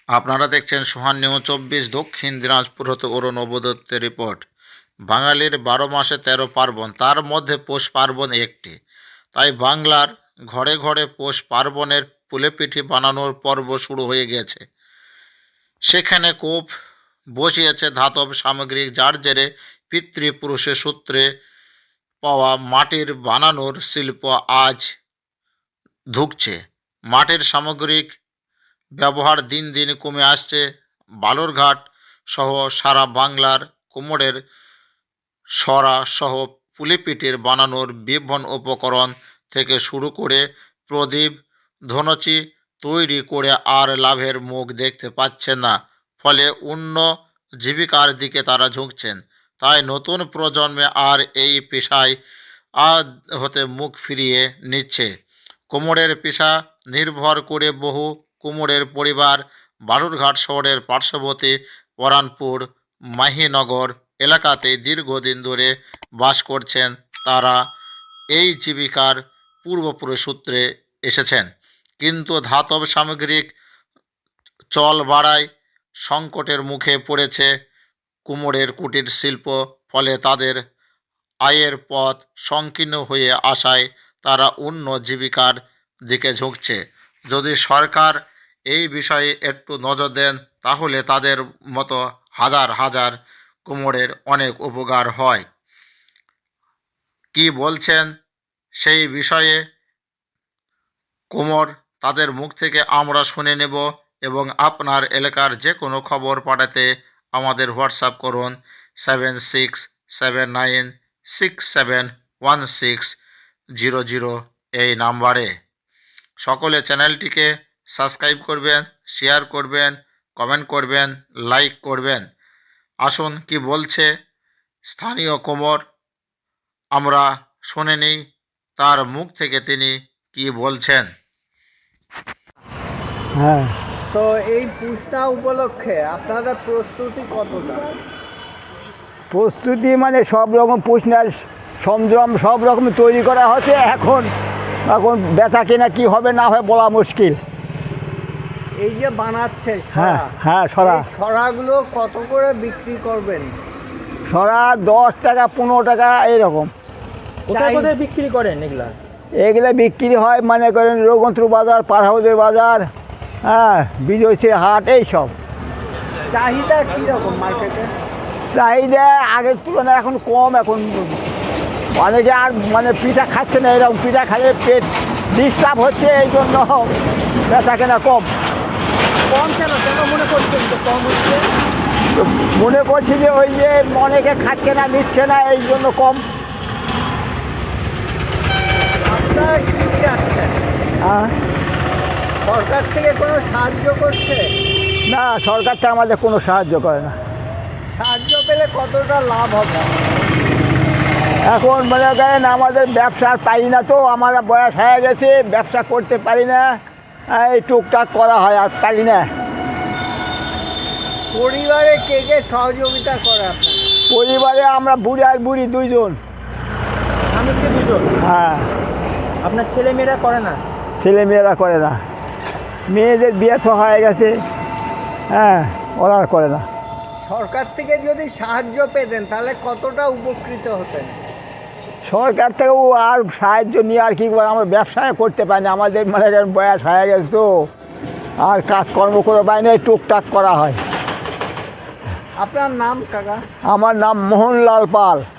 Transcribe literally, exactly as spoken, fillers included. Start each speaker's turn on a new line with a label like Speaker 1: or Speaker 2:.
Speaker 1: আপনারা দেখছেন সোহান নিউজ চব্বিশ দক্ষিণ দিনাজপুর হতে অরুণ নবদত্তের রিপোর্ট। বাঙালির বারো মাসে তেরো পার্বণ, তার মধ্যে পৌষ পার্বণ একটি। তাই বাংলার ঘরে ঘরে পৌষ পার্বণের পুলেপিঠি বানানোর পর্ব শুরু হয়ে গেছে। সেখানে কোপ বসিয়েছে ধাতব সামগ্রিক, যার জেরে পিতৃপুরুষের সূত্রে পাওয়া মাটির বানানোর শিল্প আজ ধুঁকছে। মাটির সামগ্রিক ব্যবহার দিন দিন কমে আসছে। বালুরঘাট সহ সারা বাংলার কুমোরের সরা সহ পুলিপিটির বানানোর বিভিন্ন উপকরণ থেকে শুরু করে প্রদীপ ধনচি তৈরি করে আর লাভের মুখ দেখতে পাচ্ছেন না, ফলে অন্য জীবিকার দিকে তারা ঝুঁকছেন। তাই নতুন প্রজন্মে আর এই পেশায় আজ হতে মুখ ফিরিয়ে নিচ্ছে। কুমোরের পেশা নির্ভর করে বহু কুমোরের পরিবার বালুরঘাট শহরের পার্শ্ববর্তী পরানপুর মাহিনগর এলাকাতে দীর্ঘদিন ধরে বাস করছেন। তারা এই জীবিকার পূর্বপুরুষ সূত্রে এসেছেন, কিন্তু ধাতব সামগ্রিক চল বাড়ায় সংকটের মুখে পড়েছে কুমোরের কুটির শিল্প। ফলে তাদের আয়ের পথ সংকীর্ণ হয়ে আসায় তারা অন্য জীবিকার দিকে ঝুঁকছে। যদি সরকার এই বিষয়ে একটু নজর দেন, তাহলে তাদের মতো হাজার হাজার কুমোরের অনেক উপকার হয়। কি বলছেন সেই বিষয়ে কুমোর, তাদের মুখ থেকে আমরা শুনে নেব। এবং আপনার এলাকার যে কোনো খবর পাঠাতে আমাদের হোয়াটসঅ্যাপ করুন seven six seven nine six seven one six zero zero এই নাম্বারে। সকলে চ্যানেলটিকে সাবস্ক্রাইব করবেন, শেয়ার করবেন, কমেন্ট করবেন, লাইক করবেন। আসুন কি বলছে স্থানীয় কুমোর, আমরা শুনে নিই তার মুখ থেকে তিনি কি বলছেন।
Speaker 2: হ্যাঁ,
Speaker 3: তো এই পূজা উপলক্ষে আপনাদের প্রস্তুতি কতটা?
Speaker 2: প্রস্তুতি মানে সব রকম পুষনার সরঞ্জাম সব রকম তৈরি করা হচ্ছে। এখন এখন বেচা কেনা কী হবে না হয় বলা মুশকিল।
Speaker 3: এই যে বানাচ্ছে
Speaker 2: হ্যাঁ
Speaker 3: সরা,
Speaker 2: হ্যাঁ সরা
Speaker 3: এই সরাগুলো কত করে বিক্রি করবেন?
Speaker 2: সরা দশ টাকা পনেরো টাকা এইরকম।
Speaker 4: কোথায় কোথায় বিক্রি করেন এগুলা?
Speaker 2: এগুলো বিক্রি হয় মনে করেন রঘুনাথপুর বাজার, পারহাউদের বাজার, হ্যাঁ বিজয়শ্রী হাট, এইসব।
Speaker 3: চাহিদা কীরকম মার্কেটে?
Speaker 2: চাহিদা আগের তুলনায় এখন কম। এখন অনেকে আর মানে পিঠা খাচ্ছে না, এরকম পিঠা খাইয়ে পেট ডিস্টার্ব হচ্ছে, এই জন্য বেচা কেনা কম।
Speaker 4: কম কেন কেন মনে করছেন তো কম হচ্ছে?
Speaker 2: মনে করছি যে ওই যে অনেকে খাচ্ছে না, নিচ্ছে না, এই জন্য কম।
Speaker 3: আপনারা কী চাচ্ছেন?
Speaker 2: হ্যাঁ,
Speaker 3: সরকার থেকে কোনো সাহায্য করছে?
Speaker 2: না, সরকার তো আমাদের কোনো সাহায্য করে না।
Speaker 3: সাহায্য পেলে কতটা লাভ হবে?
Speaker 2: এখন মনে করেন আমাদের ব্যবসা আর পারি না, তো আমার বয়স হয়ে গেছে, ব্যবসা করতে পারি না, এই টুকটাক করা হয়, আর পারি না।
Speaker 3: পরিবারে কে কে সহযোগিতা করে আপনার?
Speaker 2: পরিবারে আমরা বুড়ি আর বুড়ি দুইজন।
Speaker 4: স্বামী স্ত্রী দুজন?
Speaker 2: হ্যাঁ।
Speaker 4: আপনার ছেলে মেয়েরা করে না?
Speaker 2: ছেলে মেয়েরা করে না, মেয়েদের বিয়ে তো হয়ে গেছে, হ্যাঁ, ওরা আর করে না।
Speaker 3: সরকার থেকে যদি সাহায্য পেতেন তাহলে কতটা উপকৃত হতেন?
Speaker 2: সরকার থেকেও আর সাহায্য নিয়ে আর কী করে, আমরা ব্যবসায় করতে পারি না, আমাদের মানে বয়স হয়ে গেছে তো, আর কাজকর্ম করে পাই না, টুকটাক করা হয়।
Speaker 3: আপনার নাম কাকা?
Speaker 2: আমার নাম মোহনলাল পাল।